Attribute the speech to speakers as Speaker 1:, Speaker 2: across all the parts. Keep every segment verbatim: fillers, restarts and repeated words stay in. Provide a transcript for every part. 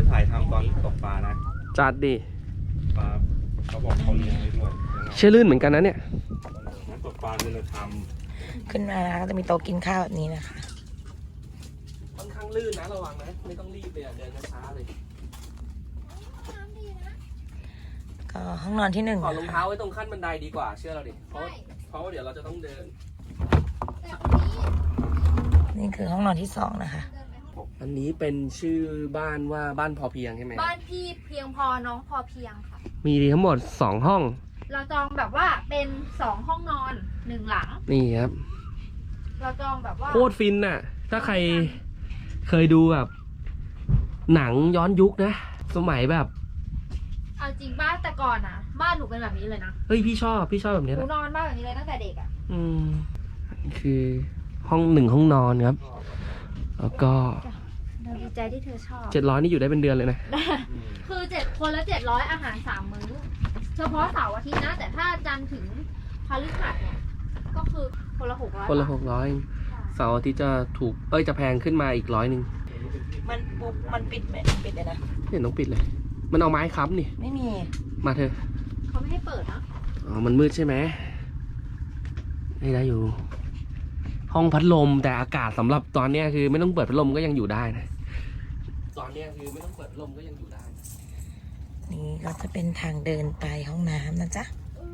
Speaker 1: จะถ่ายทำตอนตกปลานะ
Speaker 2: จัดดิ
Speaker 1: ปลาเขาบอกเขาเลี้ยงไว้ด้วย
Speaker 2: เชื่อลื่นเหมือนกันนะเนี่ย
Speaker 1: นักตกปลาคุณธรรม
Speaker 3: ขึ้นมานะก็จะมีโต๊ะกินข้าวแบบนี้นะคะ
Speaker 2: ค่อนข้างลื่นนะระวังนะไม่ต้องรีบเลยเดินช้าๆเลย
Speaker 3: ก็ห้องนอนที่หนึ่ง
Speaker 2: ถอดรองเท้าไว้ตรงขั้นบันไดดีกว่าเชื่อเราดิเพราะเพราะว่าเดี๋ยวเราจะต้องเดิน
Speaker 3: นี่คือห้องนอนที่สองนะคะ
Speaker 2: อันนี้เป็นชื่อบ้านว่าบ้านพอเพียงใช่ไหม
Speaker 4: บ้านพี่เพียงพอน้องพอเพียงค่ะ
Speaker 2: มีทั้งหมดสองห้อง
Speaker 4: เราจองแบบว่าเป็นสองห้องนอนหนึ่งหลัง
Speaker 2: นี่ครับ
Speaker 4: เราจองแบบว่า
Speaker 2: โคตรฟินน่ะถ้าใครเคยดูแบบหนังย้อนยุคนะสมัยแบบ
Speaker 4: เอาจริงบ้านแต่ก่อนนะบ้านหนูเป็นแบบนี้เลยนะ
Speaker 2: เฮ้ยพี่ชอบพี่ชอบแบบนี้
Speaker 4: หนูนอนบ้านแบบนี้เลยตั้งแต่เด็กอ่ะ
Speaker 2: อืมคือห้องหนึ่งห้องนอนครับแล้วก็
Speaker 4: ดีใจที่เธอชอบ
Speaker 2: เจ็ดร้อยนี่อยู่ได้เป็นเดือนเลยนะ
Speaker 4: คือเจ็ดคนละเจ็ดร้อยอาหารสามมื้อเฉพาะเสาร์อาทิตย์นะแต่ถ้าจันทร์ถึงพฤหัสเนี่ยก็คือคนละหกร้อย
Speaker 2: คนละหกร้อยเสาร์อาทิตย์จะถูกเอ้ยจะแพงขึ้นมาอีกร้อยหนึ่ง
Speaker 3: มันปุ๊บมันปิดไหมปิดเลยนะ
Speaker 2: เห็นต้องปิดเลยมันเอาไม้ค้ำนี่
Speaker 3: ไม่มี
Speaker 2: มาเธอ
Speaker 4: เขาไม่ให้เปิดนะ
Speaker 2: อ๋อมันมืดใช่ไหมไม่ได้อยู่ห้องพัดลมแต่อากาศสำหรับตอนนี้คือไม่ต้องเปิดพัดลมก็ยังอยู่ได้นะตอนนี้คือไม่ต้องเปิดพัดลมก็ยังอยู่ได้
Speaker 3: นี่ก็จะเป็นทางเดินไปห้องน้ำนะจ๊ะ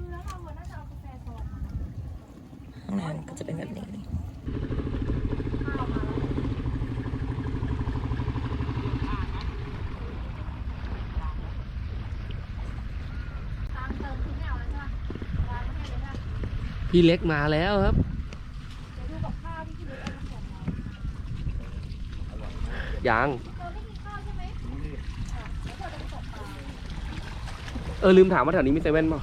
Speaker 3: ห้องน้ำก็จะเป็นแบบนี้
Speaker 2: พี่เล็กมาแล้วครับยังเออลืมถามว่าแถวนี้มีเซเว่นป่ะ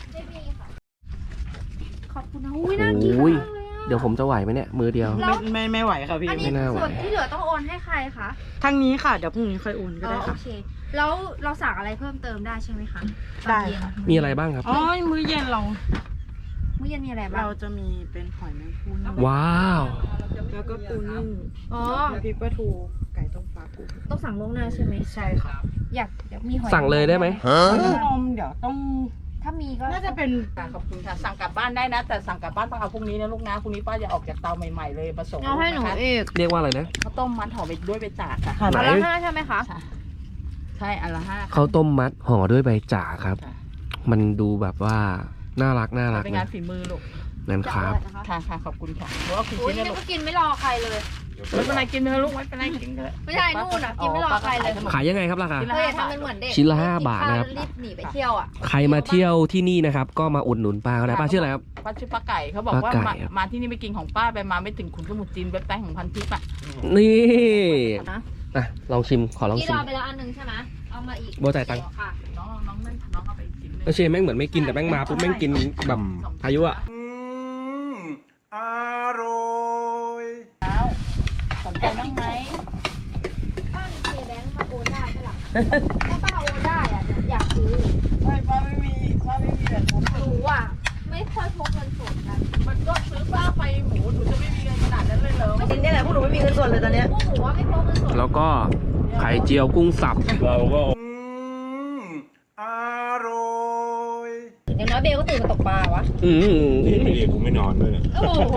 Speaker 4: ขอบคุณนะอุ้ยน่ากินมากเลยอ่ะ
Speaker 2: เดี๋ยวผมจะไหวไหมเนี่ยมือเดียว
Speaker 3: ไม่ไม่ไม่ไหวค่ะพี่
Speaker 4: อันนี้ส่วนที่เหลือต้องโอนให้ใครคะ
Speaker 3: ทางนี้ค่ะเดี๋ยวพรุ่งนี้ค่อยโอนก็ได้ค่ะ
Speaker 4: โอเคแล้วเราสั่งอะไรเพิ่มเติมได้ใช่ไหมคะ
Speaker 3: ได้
Speaker 2: มีอะไรบ้างครับ
Speaker 3: อ๋อมื้อเย็นเรา
Speaker 4: มื้อเย็นมีอะไรบ้าง
Speaker 3: เราจะมีเป็นหอยแมงภู่
Speaker 2: ว้าว
Speaker 3: แล้วก็ปูนึ่ง
Speaker 4: อ๋อ
Speaker 3: พริกปลาทูไก่ต้มฟ้าปู
Speaker 4: ต้องสั่งล่วงหน้าใช่ไหม
Speaker 3: ใช่ค่ะ
Speaker 4: อยากเดี๋ยวมีหอย
Speaker 2: สั่งเลยได้ไหม
Speaker 3: นมเดี๋ยวต้อง
Speaker 4: ถ้ามีก็
Speaker 3: น่าจะเป็นขอบคุณค่ะสั่งกลับบ้านได้นะแต่สั่งกลับบ้านต้องเอาพรุ่งนี้นะลูกนะพรุ่งนี้ป้าจะออกจากเตาใหม่ๆเลยมาส่ง
Speaker 4: เอาให้หนูเอง
Speaker 2: เรียกว่าอะไรนะ
Speaker 3: ข้าวต้มมัดห่อไปด้วยใบจากค่ะ
Speaker 4: อันละห้าใช่ไหมคะ
Speaker 3: ใช่อันละห้า
Speaker 2: ข้าวต้มมัดห่อด้วยใบจากครับมันดูแบบว่าน่ารักน่ารัก
Speaker 3: เป็นงานฝีมือลูก
Speaker 2: นั่นครับ
Speaker 3: ค่ะค่ะขอบคุณค่ะเพราะว่าคุณชิ้น
Speaker 4: นี่ก็กินไม่รอใครเลย
Speaker 3: ไม่เป็นไรกินเถอะลูกไม่เป็นไรกินเถอะ
Speaker 4: ไม่ใช่นู่นอ่ะกินไม่รอใครเลย
Speaker 2: ขายยังไงครับราคา
Speaker 4: เฮ้ยทำเป็นเหมือนเด็ก
Speaker 2: ชิ้นละห้าบาทนะครับ
Speaker 4: รีบหนีไปเที่ยวอ่ะ
Speaker 2: ใครมาเที่ยวที่นี่นะครับก็มาอุดหนุนป้าก็ได้ป้าชื่ออะไรครับ
Speaker 3: ป้าชื่อป้าไก่เขาบอกว่ามาที่นี่ไปกินของป้าไปมาไม่ถึงขุนสมุทรจีนเว็บไซต์ของพันทิพย์อ่ะ
Speaker 2: นี่อ่ะลองชิมขอลองชิม
Speaker 4: ที่เราไปแล้วอันนึงใช่ไหมเอามาอีก
Speaker 2: โบจ่ายตังค์
Speaker 3: น้องน้องนั่นน้องเอาไปกิน
Speaker 2: เออเชฟแม่งเหมือนไม่กินแต่แม่งมาปุ๊บแม่งกินแบบอายุอ่ะ
Speaker 1: อร่อย
Speaker 3: แล้วสนใจบ้างไหม
Speaker 4: ป้ามีเคแบงค์มาโอนได้ใช่หรอถ้าป้าโอนได้อ่ะอยากซื้อ
Speaker 3: ไม่ป้าไม่มีป้าไม่มีแบบนั้น
Speaker 4: หนูอ่ะไม่ค่อยพกเงินสดกัน
Speaker 3: มันก็ซื้อป้าไปหมูหนูจะไม่มีเงินขนาดนั้นเลยเหรอจริงนี่แหละพวกหนูไม่มีเงินสดเลยตอนนี้
Speaker 4: พวกหนูว่าไม่พกเงินสด
Speaker 2: แล้วก็ไข่เจียวกุ้งสับ
Speaker 1: เราก็
Speaker 2: อร่อย
Speaker 4: อย่างน้อยเบลก็ตื่นมาตกปลาวะ
Speaker 2: อืม
Speaker 1: นี่ไม่ดีผมไม่นอนด้วยเนี่ย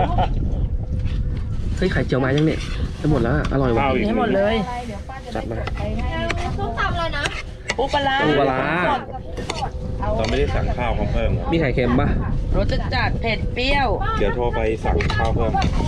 Speaker 2: เฮ้ยไข่เจียวมายังเนี่ยจะหมดแล้วอร่อยว่ะ
Speaker 3: ให้หมดเลย
Speaker 2: จัดมา
Speaker 4: ส้มตำเลยนะ
Speaker 3: ปูปลา
Speaker 2: ปูปลา
Speaker 1: เราไม่ได้สั่งข้าวเขาเพิ่ม
Speaker 2: มีไข่เค็มป่ะ
Speaker 3: รสจัดเผ็ดเปรี้ยว
Speaker 1: เดี๋ยวโทรไปสั่งข้าวเพิ่ม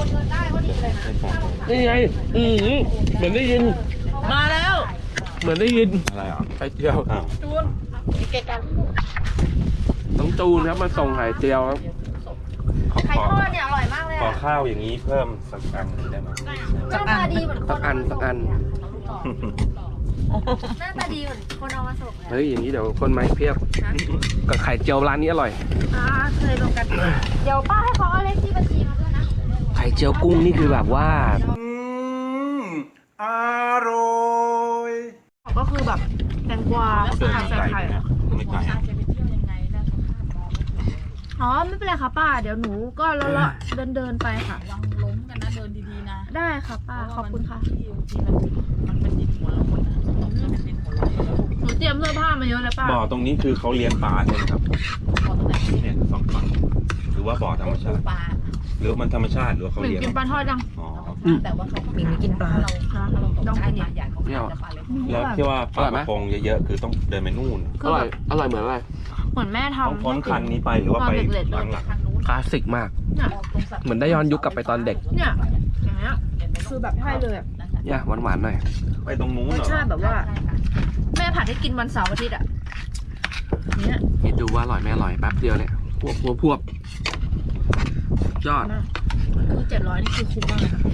Speaker 2: นี่ไงอืมเหมือนได้ยิน
Speaker 3: มาแล้ว
Speaker 2: เหมือนได้ยิน
Speaker 1: อะไรอ่ะไข่เจียว
Speaker 3: จูนเกกัน
Speaker 2: ต้องจูนครับมาส่งไข่เจียวครับ
Speaker 4: ไข่ทอดเนี่ยอร่อยมากเลย
Speaker 1: ขอข้าวอย่างนี้เพิ่มสักอันได้ไหม
Speaker 4: หน้าตาดีเหมือนคน
Speaker 2: สักอันสักอัน
Speaker 4: หน้าตาดีเหมือนคนเอามาส่ง
Speaker 2: เฮ้ยอย่างนี้เดี๋ยวคนมาเพียบกับไข่เจียวร้านนี้อร่อย
Speaker 4: อ่าเคยลงกันเดี๋ยวป้าให้เขาเอาเลขที่บัญชีมาด้วยนะ
Speaker 2: ไข่เจียวกุ้งนี่คือแบบว่า
Speaker 1: อร่อย
Speaker 4: ก็คือแบบแตงกวาใส่ไข่
Speaker 1: ไม่ไก่
Speaker 4: อ๋อไม่เป็นไรค่ะป้าเดี๋ยวหนูก็เลาะเดินเดินไปค่ะ
Speaker 3: วางล้มกันนะเดินดีๆนะ
Speaker 4: ได้ค่ะป้าขอบคุณค่ะ
Speaker 3: ที่มันเป็นดินหัวเราคนนะมันเป็นดินหัว
Speaker 4: ผ้ามาเยอะเลยป้า
Speaker 1: บ่อตรงนี้คือเขาเลี้ยงปลาใช่ไหมครับ
Speaker 3: บ่อตรงไหน
Speaker 1: เนี่ยสองฝั่งหรือว่าบ่อธรรมชาติ
Speaker 3: ปลา
Speaker 1: หรือมันธรรมชาติหรือว่าเขา
Speaker 4: หมิง
Speaker 1: เลี้ยง
Speaker 4: กินปลาทอดยัง
Speaker 1: อ๋อ
Speaker 3: แต่ว่าเขา
Speaker 5: หมิงไม่กินปลา
Speaker 3: เราเราต้องกินใหญ่ของเขาจะปลาเล็ก
Speaker 1: แล้วที่ว่าปลากระพงเยอะๆคือต้องเดินไปนู่น
Speaker 2: อร่อย อร่อยเหมือนอะไร
Speaker 4: เหมือนแม่
Speaker 1: ต้อง
Speaker 4: ทำ
Speaker 1: พ้นคันนี้ไปหรือว่าไป
Speaker 4: ตอนเด็กๆ
Speaker 1: ทางหลัง
Speaker 3: ทางนู้น
Speaker 2: คลาสสิกมาก เหมือนได้ย้อนยุคกลับไปตอนเด็ก
Speaker 4: เนี่ยอย่างเงี้ย
Speaker 5: คือแบบใช่เลยอะ
Speaker 2: เนี่ยหวานๆหน่อย
Speaker 1: ไปตรงนู้น
Speaker 5: ร
Speaker 1: เห
Speaker 5: ส
Speaker 1: รอ
Speaker 5: ชาติแบบว่า
Speaker 4: แม่ผัดให้กินวันเสาร์อาทิตย์อ่ะเนี่ย
Speaker 2: คิดดูว่าอร่อยไม่อร่อยแป๊บเดียวเนี่ยพวบพวบพวบยอด
Speaker 5: คือเจ็ดร้อยนี่คือคุ้มมากเลยค่ะ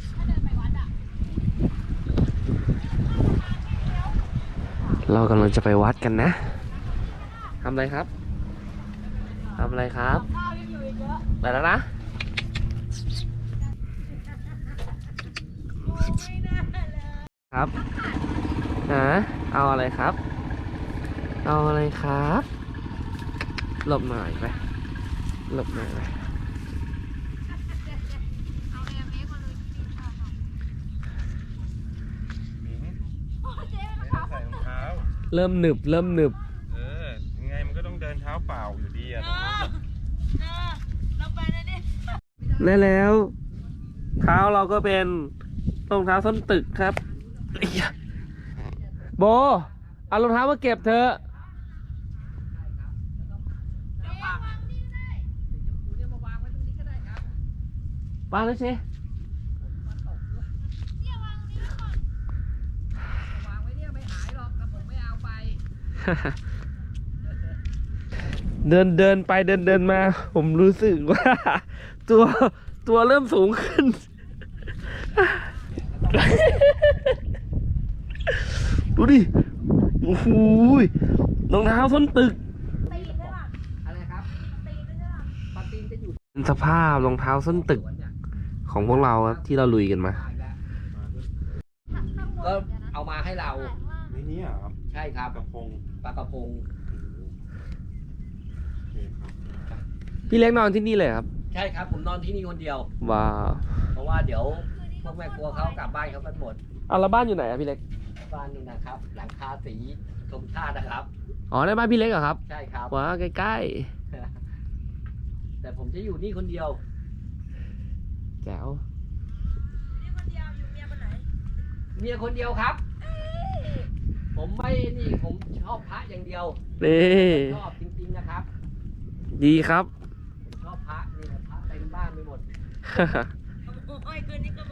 Speaker 2: เรากำลังจะไปวัดกันนะทำอะไรครับทำอะไรครับไปแล้วนะ ครับฮะเอาอะไรครับ เอาอะไรครับ หลบหน่อยไป หลบหน่อยไป
Speaker 1: ใส่รองเท้า
Speaker 2: เริ่มหนึบ เริ่มหนึบ
Speaker 1: เออยังไงมันก็ต้องเดินเท้าเปล่าอยู่ดีอะ
Speaker 2: และแล้ว เท้าเราก็เป็นรองเท้าส้นตึกครับไอ้ยะโบ เอารองเท้ามาเก็บเถอะวางเลยสิเดินเดินไปเดินเดินมา ผมรู้สึกว่า ตัวตัวเริ่มสูงขึ้น ดูดิ โอ้โหยรองเท้าส้นตึกเป็นสภาพรองเท้าส้นตึก ของพวกเราครับที่เราลุยกันมา
Speaker 6: ก็เอามาให้เรา
Speaker 1: ไม่นี่อ่ะครับ
Speaker 6: ใช่ครับ
Speaker 1: กระพง
Speaker 6: ปลากระพง
Speaker 1: โอเคครับ
Speaker 2: พี่เล็กนอนที่นี่เลยครับ
Speaker 6: ใช่ครับ ผมนอนที่นี่คนเดียว
Speaker 2: ว้าว
Speaker 6: เพราะว่าเดี๋ยวพวกแม่ครัวเขากลับบ้านเขากันหมด
Speaker 2: เอาแล้วบ้านอยู่ไหนอะพี่เล็ก
Speaker 6: บ้านนี่นะครับ หลังคาสีชมชาตินะครับ
Speaker 2: อ๋อในบ้านพี่เล็กเหรอครับ
Speaker 6: ใช่ครับ
Speaker 2: ว้าวใกล้
Speaker 6: แต่ผมจะอยู่นี่คนเดียว
Speaker 2: ๆแจ๋ว
Speaker 6: เมียคนเดียวครับ ผมไม่นี่ผมชอบพระอย่างเดียว
Speaker 2: นี่
Speaker 6: ชอบจริงๆนะครับ
Speaker 2: ดีครับ
Speaker 6: ผมชอบพระนี่นะพระเต็มบ้านไปหมด
Speaker 5: โอ้ยคืนนี้ก็